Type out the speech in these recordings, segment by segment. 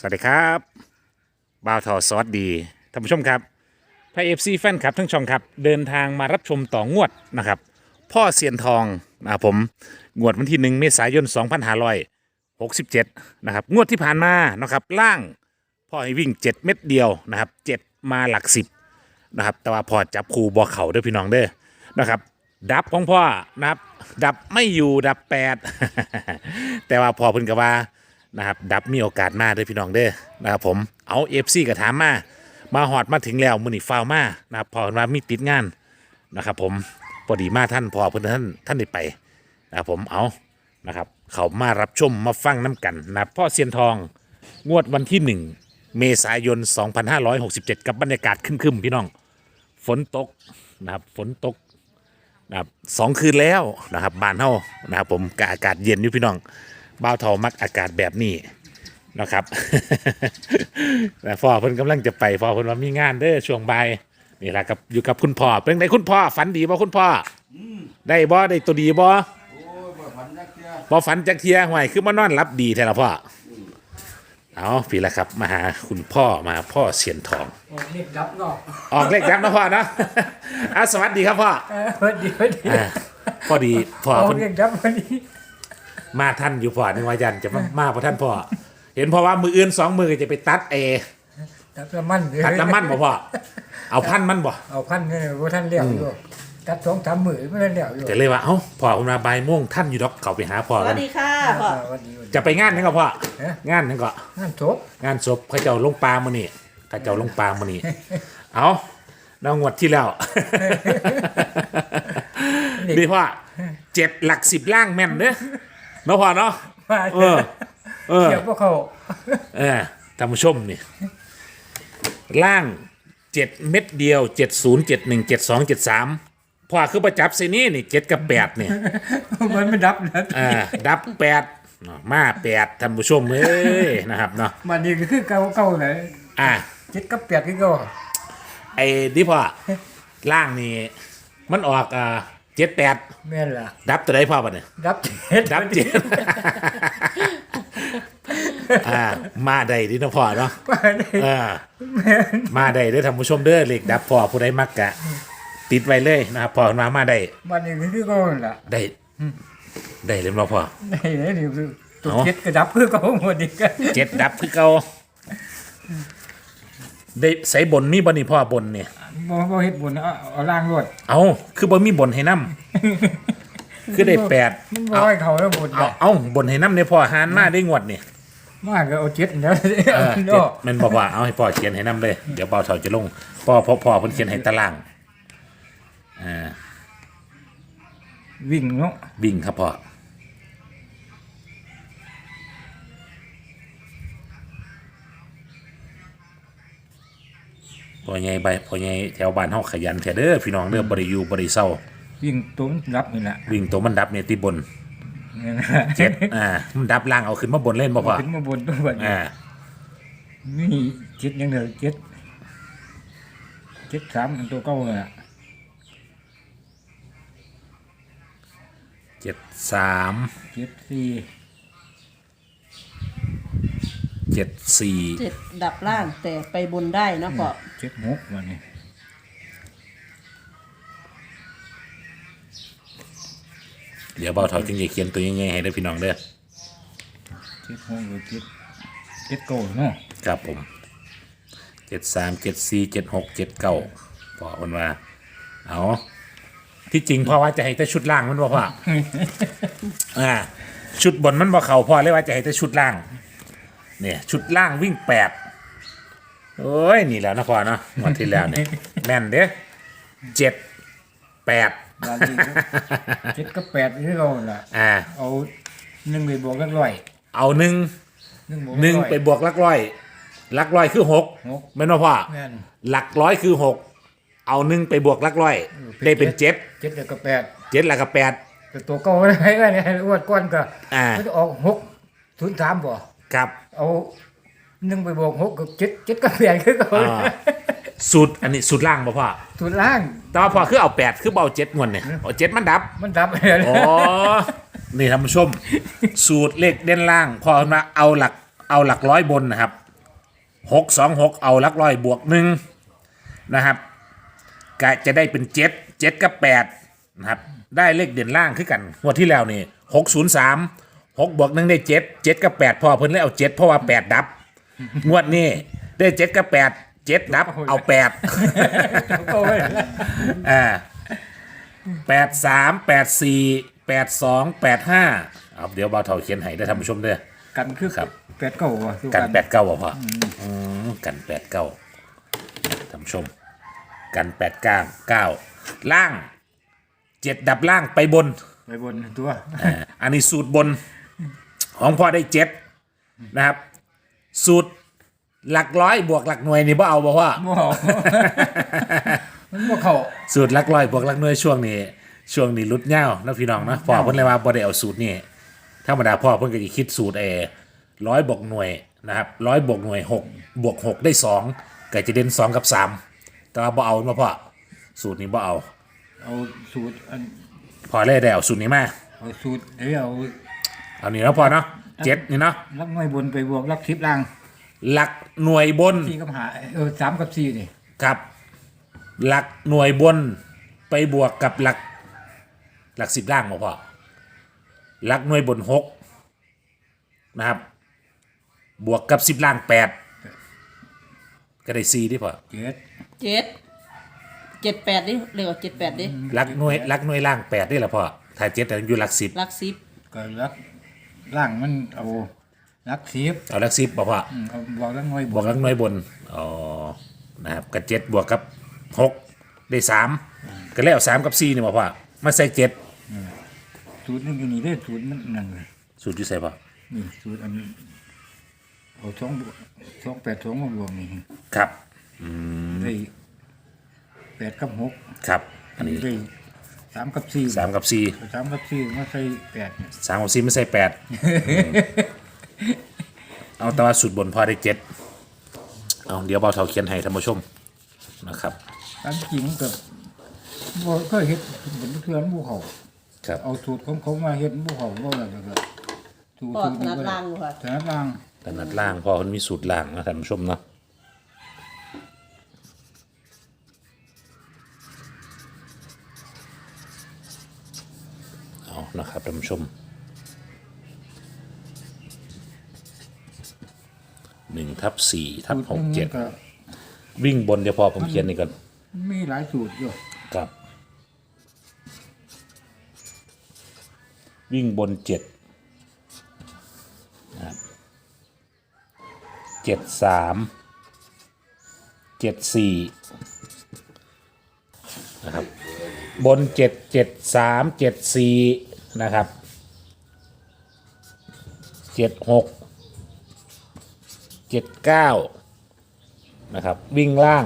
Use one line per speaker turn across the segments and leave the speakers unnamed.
สวัสดีครับบ่าวทอสวัสดีท่านผู้ชมครับไพเอฟซีแฟนคลับทั้งช่องครับเดินทางมารับชมต่องวดนะครับพ่อเซียนทองนะครับผมงวดวันที่1เมษายน2567นะครับงวดที่ผ่านมานะครับล่างพ่อให้วิ่ง7เม็ดเดียวนะครับ7มาหลัก10นะครับแต่ว่าพอจับคู่บ่เข่าเด้อพี่น้องเด้อนะครับดับของพ่อนะครับดับไม่อยู่ดับ8 แต่ว่าพอเพิ่นก็ว่านะครับดับมีโอกาสมาเด้อพี่น้องเด้อนะครับผมเอาเอฟซีก็ถามมาหอดมาถึงแล้วมื้อนี้ฟาวมานะครับพอเพิ่นว่ามีติดงานนะครับผมพอดีมาท่านพอเพิ่นท่านได้ไปนะครับผมเอานะครับเขามารับชมมาฟังน้ำกันนะครับพ่อเซียนทองงวดวันที่1เมษายน2567กับบรรยากาศครึมๆพี่น้องฝนตกนะครับฝนตกนะครับ2 คืนแล้วนะครับบ้านเฮานะครับผมกอากาศเย็นอยู่พี่น้องบ่าวเฒ่ามักอากาศแบบนี้นะครับ แต่พ่อเพิ่นกำลังจะไปพ่อเพิ่นว่ามีงานเด้อช่วงบ่ายนี่แหละครับอยู่กับคุณพ่อเป็นไงคุณพ่อฝันดีบ่คุณพ่อได้บ่ได้ตัวดีบ่บ่ฝันจักเที่ยห่วยคือมานอนหลับดีแท้ละพ่อเอาพี่ละครับมาหาคุณพ่อมาพ่อเสียนทอง
เล็กดับเนาะ
ออกเลขดับนะพ่อเนาะ สวัสดีครับพ่อ
พอดี
พอดีพ่อ
เพิ่นเล็กดับพอดี
มาท่านอยู่พ่อนึกว่ายันจะมาพอท่านพ่อเห็นเพราะว่ามืออื่น2 มือจะไปตัด
ตัดน้ำมัน
บ่พ่อเอาพันมันบ่
เอาพันเนี่ยว่าท่านเลี้ยวอยู่ตัด2-3 มื้อไม่ได้เลี้ยวอยู่
แต่เลยว่าเอ้าพ่อผมมาบ่ายโมงท่านอยู่ดอกเขาไปหาพ่อกัน
สวัสดีค่ะพ่อ
จะไปงานนั่นก็พ่องานนั่นก็
งานศพ
เขาเจ้าลงปลามื้อนี้เขาเจ้าลงปลามื้อนี้เอาน้องงวดที่แล้วดีพ่อ7 หลัก 10ล่างแม่นเด้อเนาะพ่อเนาะ
เดี๋ยวพวกเขา
ท่านผู้ชมนี่ล่าง7 เม็ดเดียว70 71 72 73พ่อคือประจับใส่นี่7 กับ 8นี่
มันไม่ดับนะ
ดับ8มา8ท่านผู้ชมเอ้ยนะครับเนาะ
มันนี่คือเก่าๆเลย7 กับ 8คือเก่า
ไอ้ดิพ่อล่างนี่มันออก78
แม่นล่ะ
ดับตัวใดพ่อบัดนี้
ดับ
มาได้ดิเนาะพ่อเนาะมาได้เด้อท่านผู้ชมเด้อเลขดับพ่อผู้ใดมักกะติดไว้เลยนะครับพ่อมาได้
มันนี่คือเก่าล่ะ
ได้เลยบ่พ่อ
ได้นี่ตัว7ก็ดับคือเก่าหมดอีก
7ดับคือเก่าได้ใส่บนมีบ่นี่พ่อบนนี่
บ่เฮ็ดบนเอาล่างรวด
เอาคือบ่มีบนให้นำคือได้8
มันบ่ให้เขาแล้วบน
เอาบนให้นำในพ่อหารมาได้งวดนี่
มาก็เอา7แล้ว
7มันบอกว่าเอาให้พ่อเขียนให้นำเลยเดี๋ยวเบาเฒ่าจะลงพ่อเพิ่นเขียนให้ตาราง
วิ่งเนาะ
วิ่งครับพ่อพ่อใหญ่แถวบ้านเฮาขยันแท้เด้อพี่น้องเด้อบ่ได้อยู่บ่ได้เซา
วิ่งตัวมันดับนี่แหละ
วิ่งตัวมันดับเนี่ยที่บน7มันดับล่างเอาขึ้นมาบนเล่นบ่พ่อ
ขึ้นมาบนตัวบัดนี่7ยังเด้อ7 3ตัวเก่าเลยอ่ะ
73
7ดับล่างแต่ไปบนได้นะพ่อ
76วันนี้
เดี๋ยวเบาเท่าจึงจะเขียนตัวยังไงให้ได้พี่น้องเด้อ
76หรือ7 9เนาะ
ครับผม73 74 76 79พอคนว่าเอาที่จริงพ่อว่าจะให้แต่ชุดล่างมันบ่พ่อชุดบนมันบ่เข้าพ่อเลยว่าจะให้แต่ชุดล่างเนี่ยชุดล่างวิ่ง8โอ้ยนี่แล้วนะพ่อเนาะวันที่แล้วเนี่ยแม่นเด้อ7 8
7 กับ 8นี่เราล่ะเอา1ไปบวกหลักร้อย
เอา1ไปบวกหลักร้อยคือ6แม่นบ่พ่อหลักร้อยคือ6เอา1ไปบวกหลักร้อยได้เป็น7
แล้วก็
7แล้วก็8
แต่ตัวเก่าให้อ้วนก้อนก็มันจะออก603บ่
ครับ
เอา1ไปบวก6กับ7กับ8คือเก่า
สูตรอันนี้สูตรล่างบ่พ่อ
สูตรล่าง
แต่ว่าพ่อคือเอา8คือเบา7งวดเนี่ยเอา7มันดับอ๋อนี่ท่านผู้ชมสูตรเลขเด่นล่างพ่อมาเอาหลักร้อยบนนะครับ 626เอาหลักร้อยบวกหนึ่งนะครับก็จะได้เป็น7กับ8นะครับได้เลขเด่นล่างขึ้นกันงวดที่แล้วนี่603 6บวก1ได้7กับ8พอเพิ่นเลยเอา7เพราะว่า8ดับงวดนี้ได้7กับ8 7ดับเอา8
โอ้ย
83 84 82 85เอาเดี๋ยวบ่าวเฒ่าเขียนให้ได้ท่านผู้ชมเด้อ
กันคือ
ครับ
แปดเก้าว่ะสู้
กัน89บ่พ่อกัน89ท่านผู้ชมกัน899ล่าง7ดับล่างไปบน
ไปบนตัว
อันนี้สูตรบนของพ่อได้7นะครับสูตรหลักร้อยบวกหลักหน่วยนี่บ่เอาบ่พ่อ
บ่เอามันบ่เข้า
สูตรหลักร้อยบวกหลักหน่วยช่วงนี้ลุดเง่านะพี่น้องนะพ่อเพิ่นเลยว่าบ่ได้เอาสูตรนี่ธรรมดาพ่อเพิ่นก็สิคิดสูตรร้อยบวกหน่วยนะครับ100บวกหน่วย6บวก6ได้2ก็จะเด่น2กับ3แต่ว่าบ่เอาเนาะพ่อสูตรนี้บ่เอา
เอาสูตรอัน
พอเลยได้เอาสูตรนี้มา
เอาสูตรเดี๋ยวเอา
เอานี่เนาะพ่อเนาะ7นี่เนาะ
ลักน้อยบนไปบวกลัก10ล่าง
หลักหน่วยบน
4กับ5 3กับ4นี่
กับหลักหน่วยบนไปบวกกับหลัก10ล่างบ่พ่อหลักหน่วยบน6นะครับบวกกับ10ล่าง8ก็ได้4ดิพ่อ
7
7 8ดิเรียกว่า78ดิ
หลักหน่วยล่าง8นี่แหละพ่อถ้า7แต่อยู่หลัก10
หลัก10
ก็ลักล่างมันเอาลัก10
เอาหลัก10บ่พ่อ
เอาบวกลักน้อย
บบ วก
น
หลักหน่วยบนอ๋อนะครับกับ7บวกกับ6ได้3ก็แล้ว3กับ4นี่บ่พ่อมาใส่7
สูตรนึงอยู่นี่เด้อสูตรมันนั่นเลย
สูตรอยู่ใส่พ่อ
นี่สูตรอันเอา2 8 2มาบวกนี่
ครับ
ได้8กับ6
ครับอันนี้
ได้3กับ4
3กับ4
3กับ4มาใส่8เนี่ย
3กับ4ไม่ใส่8เอาแต่ว่าสูตรบนพอได้7เอาเดี๋ยวเบาเท่าเขียนให้ท่านผู้ชมนะครับ
ตามจริงก็บ่เคยเฮ็ดเป็นเทื่อนบ่เข้า
ครับ
เอาสูตรของเขามาเฮ็ดบ่เข้าบ่แล้วก็สูตร
ปอดนัดล่างบ่ค่ะ
ถนัดล่าง
ถนัดล่างพอมันมีสูตรล่างนะท่านผู้ชมเนาะเอานะครับท่านผู้ชม1/4/67วิ่งบนเดี๋ยวพอผมเขียนนี่ก่อน
มีหลายสูตรอยู่
ครับวิ่งบน7นะครับ73 74นะครับบน7 73 74นะครับ76 79นะครับวิ่งล่าง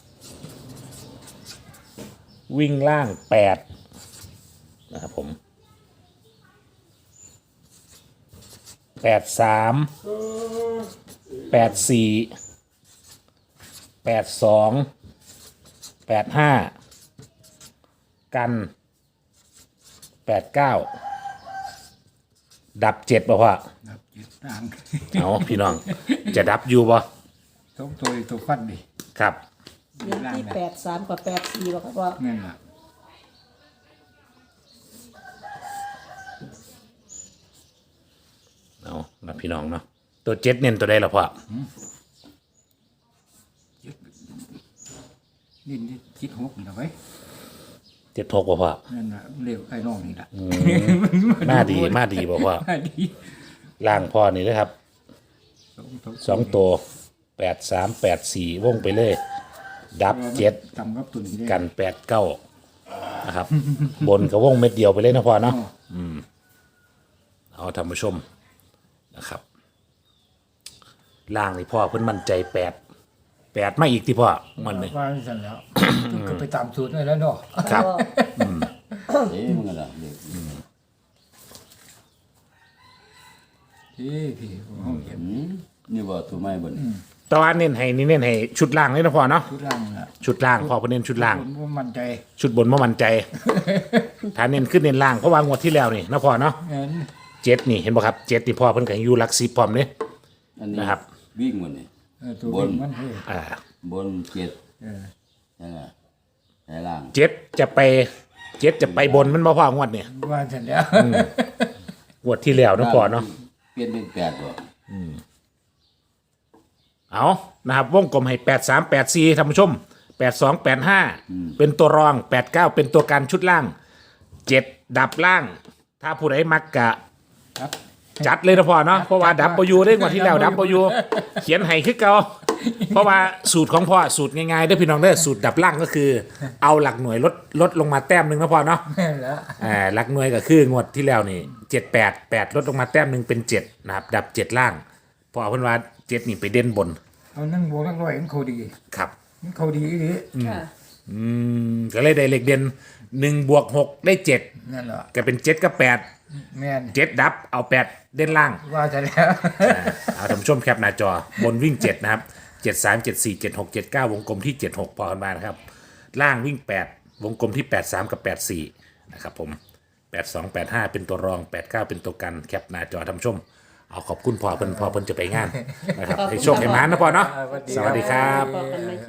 8นะครับผม83 84 82 85กัน89ดับ7ป่ะพ่อ
ครับจิตต่าง
เอาพี่น้องจะดับอยู่ป่ะ
ต้องตัวฟันดิ
ครับ
เน้นที่83กับ84บ่ครับว่า
นั่นล่ะ
เอานะพี่น้องเนาะตัว7เน้นตัวใดล่ะพ่อ
นี่จิต6นี่ล่ะไว้
7 6ป่ะพ่อ
นั่นน่ะเรียกไอ้น้องนี่ล่ะ
มาดีป่ะพ่อ
มาดี
ล่างพ่อนี่นะครับ
สอง
2ตัว83 84วงไปเลยดับ7
ต่ำกับตุนนี่
กัน89นะครับ บนกับวงเม็ดเดียวไปเลยนะพ่อเนาะเอาท่านผู้ชมนะครับล่างนี่พ่อเพิ่นมั่นใจ8มาอีกที่พ่อมันนี่
ว่าสั่นแล้วก็ไปตามสูตรนั่นแล้วเนาะ
ครับ
เอ๊ะมันก็ละเด็ก
พี่ห้องเก็บ
นี่ว่าตัวไม่บน
แตว่าเน้นให้ชุดล่างเลยนะพ่อเนาะ
ชุดล่างน่ะ
ชุดล่างพ่อเพิ่นเน้นชุดล่าง
ผมว่ามั่นใจ
ชุดบนบ่มั่นใจ ถ้าเน้นขึ้นเน้นล่างเพราะว่างวดที่แล้วนี่นะพ่อเนาะ
งั้น
7นี่เห็นบ่ครับ7นี่พ่อเพิ่นก็ให้อยู่หลัก10พร้อมเด้
อันนี้
นะครับ
วิ่งมันนี่
ตัววิ่งมันเฮ้ย
บนเจ็ด
เออ
นั่นน่ะไหนล่าง
เจ็ดจะไปบนมันบ่พองวดเนี่ย
ว่าเสร็จแล้ว
งวดที่แล้วเนาะพ่อเนาะ
เปลี่ยนเป็นแปดบ่
เอานะครับวงกลมให้8384ท่านผู้ชม8285เป็นตัวรอง89เป็นตัวการชุดล่าง7ดับล่าง ถ้าผู้ใดมักกะ
ครับ
จัดเลยนะพ่อเนาะเพราะว่าดับเบิลยูได้กว่าที่แล้วดับเบิลยูเขียนให้คือเก่าเพราะว่าสูตรของพ่อสูตรง่ายๆเด้อพี่น้องเด้อสูตรดับล่างก็คือ เอาหลักหน่วยลดลงมาแต้มหนึ่งนะพ่อเนาะ
แม่นแล้ว
หลักหน่วยก็คืองวดที่แล้วนี่788ลดลงมาแต้มหนึ่งเป็น7นะครับดับ7ล่างพอเอาเพิ่นว่า7นี่ไปเด่นบน
เอานั่งบวกนักร้อยมันเขาดี
ครับ
มันเขาดีอีหลี
ค่ะ
ก็เลยได้เลขเด่น1บวก6ได้7
นั่นแหละ
ก็เป็น7กับ8
แม่น
7ดับเอา8เด่นล่าง
ว่าเสร็จแล้ว
เอาท่านผู้ชมแคปหน้าจอบนวิ่ง 7 นะครับ 73 74 76 79 วงกลมที่ 76 พอกันมานะครับ ล่างวิ่ง 8 วงกลมที่ 83 กับ 84 นะครับผม 82 85 เป็นตัวรอง 89 เป็นตัวกันแคปหน้าจอท่านผู้ชม เอาขอบคุณพอเพิ่นจะไปงานนะครับให้โชคให้หมานนะพอเนาะสวัสดีครับ
บอกกันไหม